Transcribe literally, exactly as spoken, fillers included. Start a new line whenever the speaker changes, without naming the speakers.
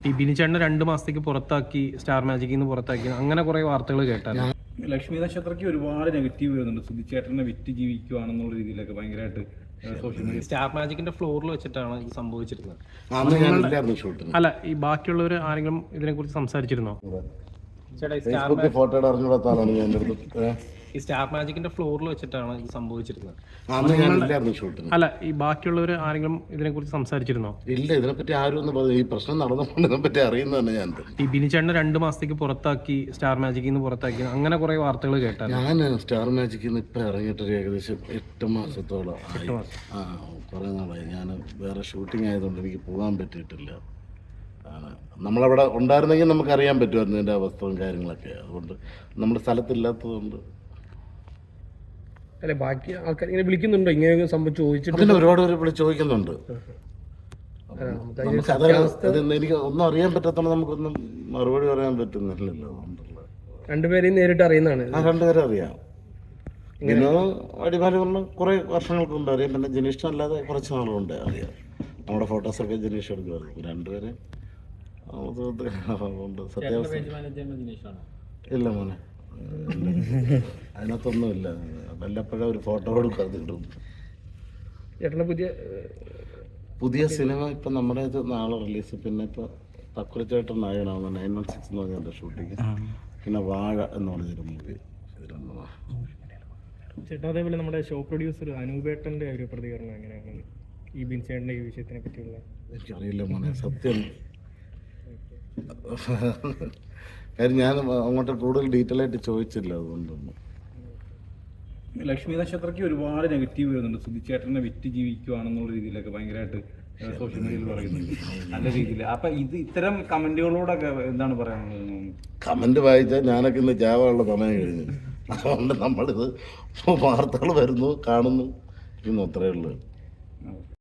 ഈ ബിനിച്ചേട്ടനെ രണ്ട് മാസത്തേക്ക് പുറത്താക്കി, സ്റ്റാർ മാജിക്കിൽ നിന്ന് പുറത്താക്കി, അങ്ങനെ കുറെ വാർത്തകൾ കേട്ടായിരുന്നു.
ലക്ഷ്മി നക്ഷത്രയ്ക്ക് ഒരുപാട് നെഗറ്റീവ് വരുന്നുണ്ട്. സുധിച്ചേട്ടനെ വിറ്റ് ജീവിക്കുവാണെന്നുള്ള രീതിയിലൊക്കെ ഭയങ്കരമായിട്ട് സോഷ്യൽ മീഡിയ.
സ്റ്റാർ മാജിക്കിന്റെ ഫ്ലോറിൽ വെച്ചിട്ടാണ് ഇത് സംഭവിച്ചിരുന്നത്.
അല്ല,
ഈ ബാക്കിയുള്ളവർ ആരെങ്കിലും ഇതിനെ കുറിച്ച് സംസാരിച്ചിരുന്നോ? ചേട്ടാ, ഈ സ്റ്റാർ
ഫോട്ടോ അറിഞ്ഞുകൊടുത്താലാണ് ഞാൻ എടുത്തത്.
ഈ സ്റ്റാർ മാജിക്കിന്റെ ഫ്ലോറിൽ വെച്ചിട്ടാണ് ഇത് സംഭവിച്ചിരുന്നത്.
അല്ല,
ഈ ബാക്കിയുള്ളവർ ആരെങ്കിലും ഇതിനെ കുറിച്ച് സംസാരിച്ചിരുന്നോ?
ഇല്ല, ഇതിനെപ്പറ്റി ആരും ഒന്നും പറഞ്ഞു. ഈ പ്രശ്നം നടന്നപ്പോൾ ഇതിനെപ്പറ്റി അറിയുന്നതന്നെ ഞാൻ.
ഈ ബിനിച്ചേട്ടനെ രണ്ട് മാസത്തേക്ക് പുറത്താക്കി, സ്റ്റാർ മാജിക്കിൽ നിന്ന് പുറത്താക്കി, അങ്ങനെ കുറെ വാർത്തകൾ കേട്ടായിരുന്നു.
ഞാൻ സ്റ്റാർ മാജിക്കിൽ നിന്ന് ഇപ്പം ഇറങ്ങിയിട്ട് ഏകദേശം എട്ട് മാസത്തോളം ആയി. ആ കുറേ നാളായി. ഞാൻ വേറെ ഷൂട്ടിംഗ് ആയതുകൊണ്ട് എനിക്ക് പോകാൻ പറ്റിയിട്ടില്ല. നമ്മളവിടെ ഉണ്ടായിരുന്നെങ്കിൽ നമുക്കറിയാൻ പറ്റുമായിരുന്നു എൻ്റെ അവസ്ഥയും കാര്യങ്ങളൊക്കെ. അതുകൊണ്ട് നമ്മുടെ സ്ഥലത്തില്ലാത്തതുകൊണ്ട്.
അല്ലെ, ബാക്കി ആൾക്കാർ ഇങ്ങനെ വിളിക്കുന്നുണ്ടോ? ഇങ്ങനെ സംഭവിച്ചു ചോദിച്ചിട്ട്
പിന്നെ ഒരുപാട് പേര് വിളിച്ച് ചോദിക്കുന്നുണ്ട്. എനിക്ക് ഒന്നും അറിയാൻ പറ്റാത്തോണ്ട് നമുക്കൊന്നും മറുപടി പറയാൻ പറ്റുന്നില്ലല്ലോ.
രണ്ടുപേരെയും നേരിട്ട് അറിയുന്നതാണ്.
ആ, രണ്ടുപേരും അറിയാം. പിന്നെ അടിമാലി പറഞ്ഞ കുറേ വർഷങ്ങൾക്ക് മുമ്പ് അറിയാം. പിന്നെ ജനീഷ് അല്ലാതെ കുറച്ച് നാളുകൊണ്ട് അറിയാം. നമ്മുടെ ഫോട്ടോസൊക്കെ ജനീഷ് എടുക്കുമായിരുന്നു. രണ്ടുപേരെ സത്യാവസ്ഥ ഇല്ല മോനെ, അതിനകത്തൊന്നുമില്ല. വല്ലപ്പോഴും ഒരു ഫോട്ടോ കൊടുക്കാതെ കിട്ടും.
ചേട്ടൻ്റെ പുതിയ
പുതിയ സിനിമ ഇപ്പം നമ്മുടെ ഇത് നാളെ റിലീസ്. പിന്നെ ഇപ്പോൾ തക്കുലച്ചേട്ടൻ നായകനാവുന്ന നയൻ വൺ സിക്സ് എന്ന് പറഞ്ഞ ഷൂട്ടിങ്. പിന്നെ വാഴ എന്ന് പറഞ്ഞൊരു മൂവി.
ചേട്ടാ, അതേപോലെ നമ്മുടെ ഷോ പ്രൊഡ്യൂസർ അനൂപേട്ടൻ്റെ ഒരു പ്രതികരണം എങ്ങനെയാണ് ഈ ബിൻചേട്ടൻ്റെ ഈ വിഷയത്തിനെ പറ്റിയുള്ള?
എനിക്കറിയില്ല മോനെ, സത്യം. കാര്യം ഞാൻ അങ്ങോട്ട് കൂടുതൽ ഡീറ്റെയിൽ ആയിട്ട് ചോദിച്ചില്ല. അതുകൊണ്ടൊന്നും.
ലക്ഷ്മി നക്ഷത്രയ്ക്ക് ഒരുപാട് നെഗറ്റീവ് വരുന്നുണ്ട്. സുധിച്ചേട്ടനെ വിറ്റ് ജീവിക്കുവാണെന്നുള്ള രീതിയിലൊക്കെ ഭയങ്കരമായിട്ട് സോഷ്യൽ മീഡിയയിൽ പറയുന്നുണ്ട്, നല്ല രീതിയിൽ. അപ്പൊ ഇത് ഇത്തരം കമന്റുകളോടൊക്കെ എന്താണ് പറയാനുള്ളത്?
കമന്റ് വായിച്ചാൽ ഞാനൊക്കെ ഇന്ന് ജാവാനുള്ള സമയം കഴിഞ്ഞു. അതുകൊണ്ട് നമ്മളിത് വാർത്തകൾ വരുന്നു, കാണുന്നു, ഇന്ന് അത്രയേ ഉള്ളൂ.